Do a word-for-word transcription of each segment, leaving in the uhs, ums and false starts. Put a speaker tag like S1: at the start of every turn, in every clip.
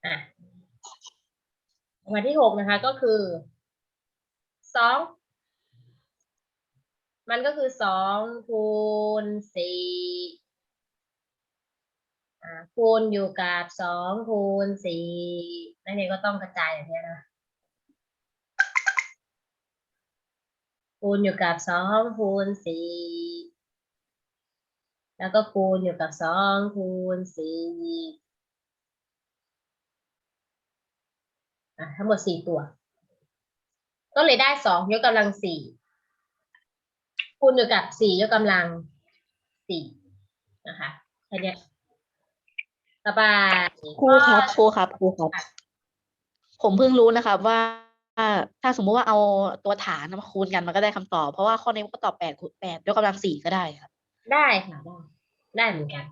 S1: อ่ะวันที่หกนะคะก็คือสองมันก็คือสองคูณสี่อ่าคูณอยู่กับสองคูณสี่นักเรียนก็ต้องกระจายอย่างนี้นะคูณอยู่กับสองคูณสี่แล้วก็คูณอยู่กับสองคูณสี่อ่ะทั้งหมดสี่ตัวก็เลยได้สองยกกำลังสี่คูณอยู่กับสี่ยกกำลังสี่นะคะแค่นี้ต่อไป
S2: ครูครับครูครับครูครับผมเพิ่งรู้นะครับว่าถ้าสมมุติว่าเอาตัวฐานมาคูณกันมันก็ได้คำตอบเพราะว่าข้อนี้มันก็ตอบแปดคูณแปดยกกำลังสี่ก็ได้ครับ
S1: ได้ค่ะได้ได้เหมือนกัน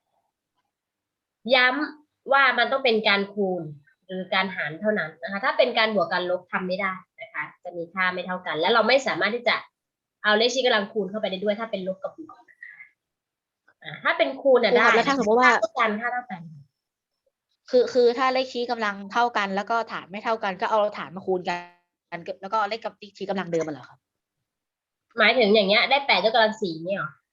S1: ย้ำว่ามันต้องเป็นการคูณหรือการหารเท่านั้นนะคะถ้าเป็นการบวกการลบทำไม่ได้นะคะจะมีค่าไม่เท่ากัน และเราไม่สามารถที่จะเอาเลขชี้กำลังคูณเข้าไปได้ด้วยถ้าเป็นลบกับบวกอ่าถ้าเป็นคูณ
S2: ค
S1: อ่ะ
S2: รู
S1: ได้
S2: ครับแล้วถ้าสมมติว่า
S1: ค่าเท่ากันค่าเท่ากัน
S2: คือคือถ้าเลขชี้กำลังเท่ากัน แล้วก็ฐานไม่เท่ากันก็เอาฐานมาคูณกันแล้วก็เลขกับชี้กำลังเดิมมันเหรอครับ
S1: หมายถึงอย่างเงี้ยได้แปดยกกำลังสี่เนี่ยหรอ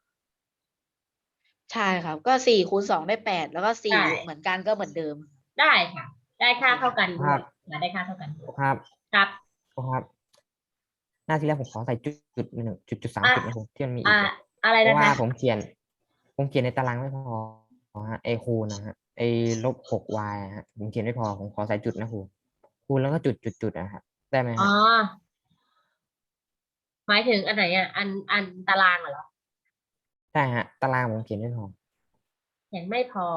S2: ใช่ครับก็สี่คูณสองได้แปดแล้วก็สี่
S1: ได้
S2: เหมือนกันก็เหมือนเดิม
S1: ได้ค่ะได้ค่าเท่ากันด้
S3: ครั
S1: วย
S3: บ
S1: นะได้ค่าเท่ากันด้วย
S3: ครับ
S1: ครับ
S3: ครับหน้าที่แรกผมขอใส่จุดจุดหนึ่งจุดจุดสาม
S1: อ่ะ
S3: จุดนะผมที่มันมีอี
S1: อ่าก อะไร
S3: เพ
S1: นะ
S3: ราะว่า
S1: คะ
S3: ผมเขียน ผมเขียนในตารางไม่พอฮะไอคูณนะฮะไอลบหก y ฮะผมเขียนไม่พอผมขอใส่จุดนะครูคูณแล้วก็จุดจุดจุดนะครับได้ไหม
S1: อ๋
S3: ฮะ
S1: อหมายถึงอันไหนอ่ะอันอันตารางเหรอ
S3: ใช่ฮะตารางผมเขียนไม่พอ
S1: เขียนไม่พอ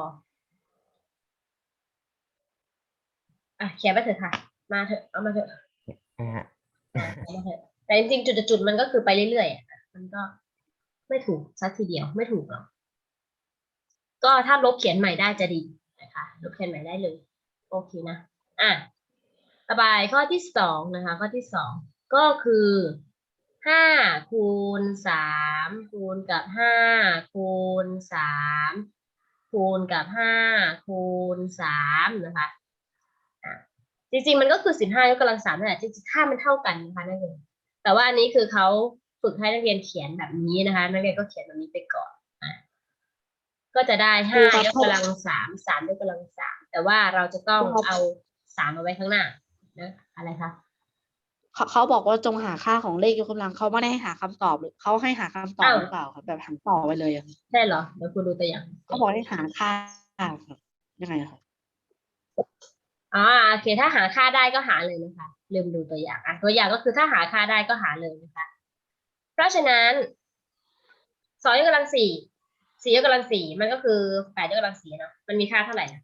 S1: อ่ะเขียนไปเถอะค่ะมาเถอะเอามาเถอะ
S3: นะฮะ
S1: อ่ะเอามาเถอะแต่จริงๆจุดๆมันก็คือไปเรื่อยๆอ่ะมันก็ไม่ถูกสักทีเดียวไม่ถูกหรอกก็ถ้าลบเขียนใหม่ได้จะดีนะคะลบเขียนใหม่ได้เลยโอเคนะอ่ะต่อไปข้อที่สองนะคะข้อที่สองก็คือห้าคูณสามคูณกับห้าคูณสามคูณกับห้าคูณสามนะคะอ่ะจริงๆมันก็คือสิบห้ายกกำลังสามนั่นแหละจริงๆค่ามันเท่ากันนะคะนักเรียนแต่ว่าอันนี้คือเขาฝึกให้นักเรียนเขียนแบบนี้นะคะนักเรียนก็เขียนแบบนี้ไปก่อนอ่ะก็จะได้ห้ายกกำลังสามสามยกกำลังสามแต่ว่าเราจะต้องเอาสามเอาไว้ข้างหน้านะอะไรคะ
S2: เขาเขาบอกว่าจงหาค่าของเลขยกกำลังเขาไม่ได้ให้หาคำตอบหรือเขาให้หาคำตอบ
S1: อ้าว
S2: หรือเปล่าครับแบบหันต่อไปเลยอะ
S1: ใช่เหรอเดี๋ยวคุณดูตัวอย่าง
S2: เขาบอกให้หาค่าครับยังไงครับ
S1: อ๋อโอเคถ้าหาค่าได้ก็หาเลยนะคะลืมดูตัวอย่างอ่ะตัวอย่างก็คือถ้าหาค่าได้ก็หาเลยนะคะเพราะฉะนั้นสองยกกำลังสี่สี่ยกกำลังสี่มันก็คือแปดยกกำลังสี่เนาะมันมีค่าเท่าไหร่นะ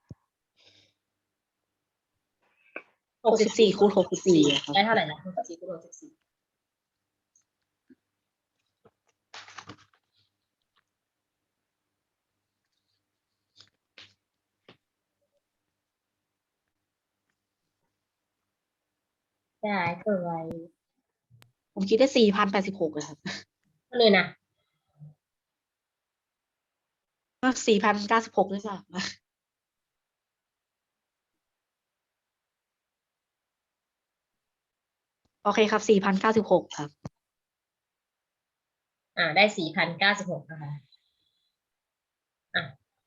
S2: หกสิบสี่คูณหกสิบสี่ครับ
S1: ได้เท่าไหร่นะหกสิบสี่คูณหกสิบสี่ได้เท่าไหร่
S2: ผมคิดได้สี่พันแปดสิบหกเลยครับ
S1: เลยนะ
S2: สี่พันเก้าสิบหกหรือเปล่าโอเคครับสี่พันเก้าสิบหกครับ
S1: อ่าได้สี่พันเก้าสิบหกนะคะอ่ะ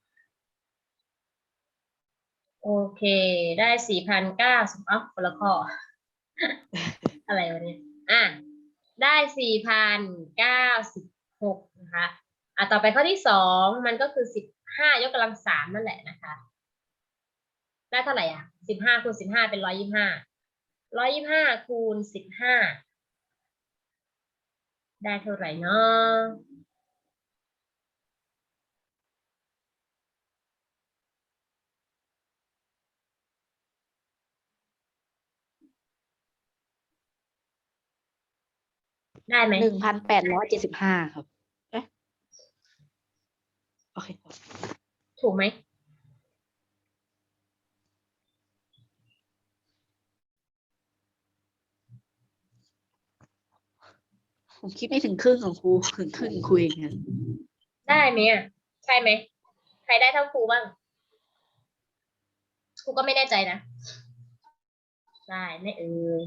S1: โอเคได้สี่พันเก้าสิบอ๋อคนละข้อ อะไรวะเนี่ยอ่ะได้สี่พันเก้าสิบหกนะคะอ่ะต่อไปข้อที่สองมันก็คือสิบห้ายกกำลังสามนั่นแหละนะคะได้เท่าไหร่อ่ะสิบห้าคูณสิบห้าเป็นร้อยยี่สิบห้าร้อยยี่สิบห้าคูณสิบห้าได้เท่าไหร่เนาะได้ไหม
S2: หนึ่งพันแปดร้อยเจ็ดสิบห้าครับเอ๊ะโอเคครับ
S1: ถูกไหม
S2: ผมคิดไม่ถึงครึ่งของครูถึงครึ่งครูเองเนี่ย
S1: ได้ไหมอ่ะใช่ไหมใครได้เท่าครูบ้างครูก็ไม่แน่ใจนะได้ไหม่เอ่ย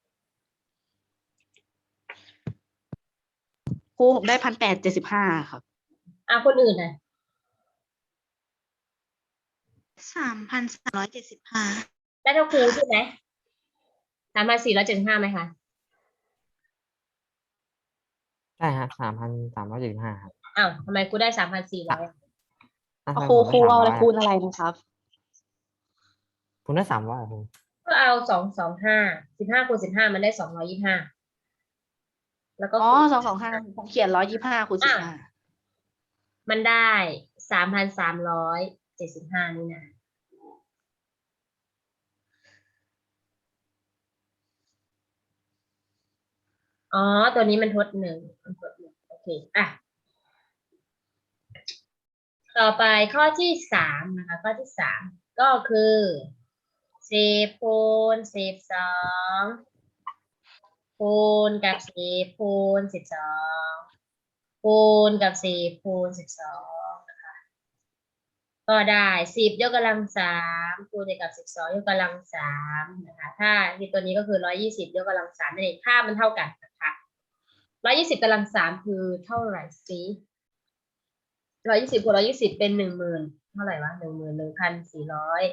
S2: ครูผมได้พันแปดเจ็ดสิบห้าครับ
S1: อ่ะคนอื่นน่ะ
S4: สามพันสามร้อยเจ็ดสิบห้า
S1: ได้เท่าครูใช่ไหมสามพันสี่ร้อยเจ็ดสิบห้าไหมคะ
S3: ใช่ฮะสามพันสามร้อยเจ็ดสิบห้าครับ
S1: อ้าวทำไมครูได้สามพันสี่ร้อย
S3: อ่ะ
S2: เอา
S3: ทำไม
S2: ครู
S3: ผม
S2: ครู
S3: ได้
S2: เอาอะไร
S3: สามร้อย
S2: คูณอะไรนะครับ
S3: คุณได้สามร้อยครู
S1: ก็เอาสองสองห้าสิบห้าคูณสิบห้ามันได้สองร้อยยี่สิบห้าแล้วก็
S2: อ๋อ
S1: คูณ
S2: สองสองห้าผมเขียนร้อยยี่ห้าคูณสิบห้า
S1: มันได้สามพันสามร้อยเจ็ดสิบห้านี่นะอ๋อ ตัวนี้มันทดหนึ่งมันทดหนึ่งโอเค อ่ะ ต่อไปข้อที่สามนะคะ ข้อที่สามก็คือสิบคูณสิบสองคูณกับสิบคูณสิบสองคูณกับสิบคูณสิบสองนะคะก็ได้สิบยกกำลังสามคูณกับสิบสองยกกำลังสามนะคะถ้าที่ตัวนี้ก็คือร้อยยี่สิบยกกำลังสามนั่นเองค่ามันเท่ากันนะคะร้อยยี่สิบกำลังสามคือเท่าไหร่สิร้อยยี่สิบคูณร้อยยี่สิบเป็นหนึ่งหมื่นเท่าไหร่วะหนึ่งหมื่นหนึ่งพันสี่ร้อย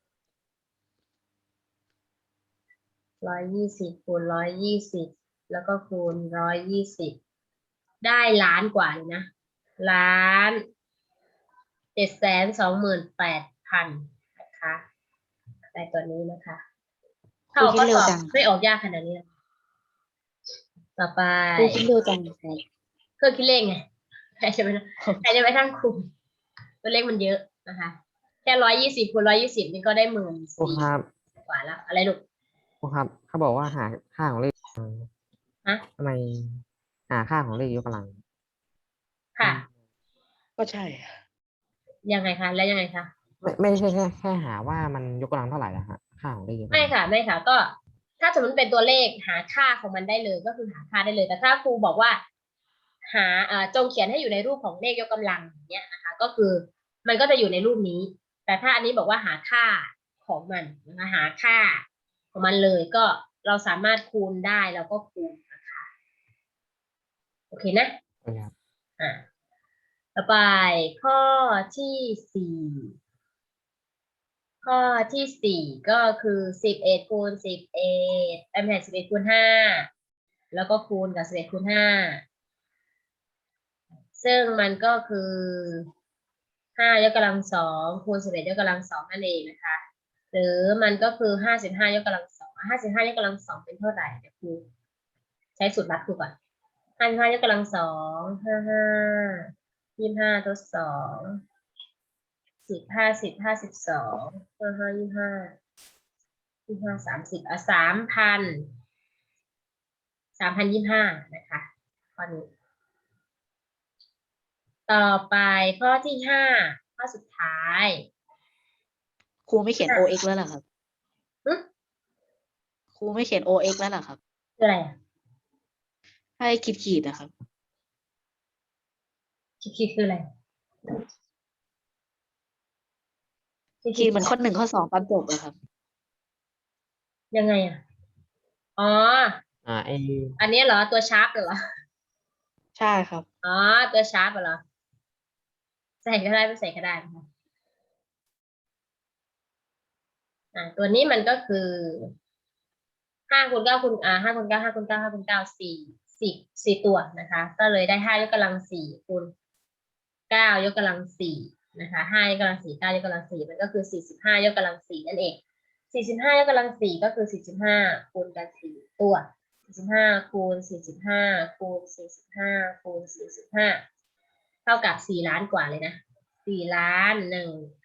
S1: ร้อยยี่สิบคูณร้อยยี่สิบแล้วก็คูณร้อยยี่สิบได้ล้านกว่าเลยนะล้านเจ็ดแสนสองหมื่นแปดพันนะคะได้ตัวนี้นะคะถ้าออกข้อสอบไม่ออกยากขนาดนี้นะต่อไป
S2: ครูคิดดูจังครับ
S1: เครื่องคิดเลขไงใครจะไปใครจะไปทั้งคุมตัวเลขมันเยอะนะคะแค่ร้อยยี่สิบคูณร้อยยี่สิบนี่ก็ได้หมื่น
S3: ครู
S1: สี่
S3: ครับ
S1: กว่าแล้วอะไรลูก
S3: ครูครับเขาบอกว่าหาค่าของเลข
S1: ฮะ
S3: ทำไมหาค่าของเลขยกกำลัง
S1: ค่ะ
S2: ก็ใช่
S1: ยังไงคะแล้วยังไงคะ
S3: ไม่ไม่ใช่แค่แค่หาว่ามันยกกำลังเท่าไหร่นะฮะค่าของเลขยกกำลัง
S1: ไม่ค่ะไม่ค่ะ ก็ถ้าสมมติเป็นตัวเลขหาค่าของมันได้เลยก็คือหาค่าได้เลย แต่ถ้าครูบอกว่า หาเอ่อจงเขียนให้อยู่ในรูปของเลขยกกำลังอย่างเนี้ยนะคะ ก็คือมันก็จะอยู่ในรูปนี้ แต่ถ้าอันนี้บอกว่าหาค่าของมันนะคะหาค่าของมันเลยก็เราสามารถคูณได้เราก็คูณนะคะโอเคนะ
S3: ครับ
S1: อ่าต่อไปข้อที่สี่ข้อที่สี่ก็คือสิบเอ็ดคูณสิบเอ็ดไม่ใช่สิบเอ็ดคูณห้าแล้วก็คูณกับสิบเอ็ดคูณห้าซึ่งมันก็คือห้ายกกำลังสองคูณสิบเอ็ดยกกำลังสองนั่นเองนะคะ หรือมันก็คือห้าสิบห้ายกกำลังสองห้าสิบห้ายกกำลังสองเป็นเท่าไหร่เดี๋ยวครูใช้สูตรลัดครูก่อนห้าสิบห้ายกกำลังสองห้าห้ายี่สิบห้าทดสองสิบห้าสิบห้าสิบสองห้าห้ายี่สิบห้ายี่สิบห้าสามสิบอ่ะสามพันสามพันยี่สิบห้านะคะข้อนี้ต่อไปข้อที่ห้าข้อสุดท้าย
S2: ครูไม่เขียน โอ เอ็กซ์ แล้วเหรอครับ
S1: หึ
S2: ครูไม่เขียน โอ เอ็กซ์ แล้วเหรอครับ
S1: คืออะไรอ่ะ
S2: ให้ขีดขีดๆนะครับ
S1: คิดคืออะไร
S2: ขีดเหมือนข้อหนึ่งข้อสองตอนจบอะครับ
S1: ยังไงอ่ะอ๋อ
S3: อ่าไอ
S1: อันนี้เหรอตัวชาร์ปเหรอ
S2: ใช่ครับ
S1: อ๋อตัวชาร์ปเหรอใส่ก็ได้ไม่ใส่ก็ได้นะคะอ่าตัวนี้มันก็คือห้าคูณเก้าคูณอ่าห้าคูณเก้าห้าคูณเก้าห้าคูณเก้าสี่สี่สี่ตัวนะคะ ก็เลยได้ห้ายกกำลังสี่คูณเก้ายกกำลังสี่นะคะห้ายกกำลังสี่เก้ายกกำลังสี่มันก็คือสี่สิบห้ายกกำลังสี่นั่นเองสี่สิบห้ายกกำลังสี่ก็คือสี่สิบห้าคูณกันสี่ตัวสี่สิบห้าคูณสี่สิบห้าคูณสี่สิบห้าคูณสี่สิบห้าเท่ากับสี่ล้านกว่าเลยนะสี่ล้านหนึ่ง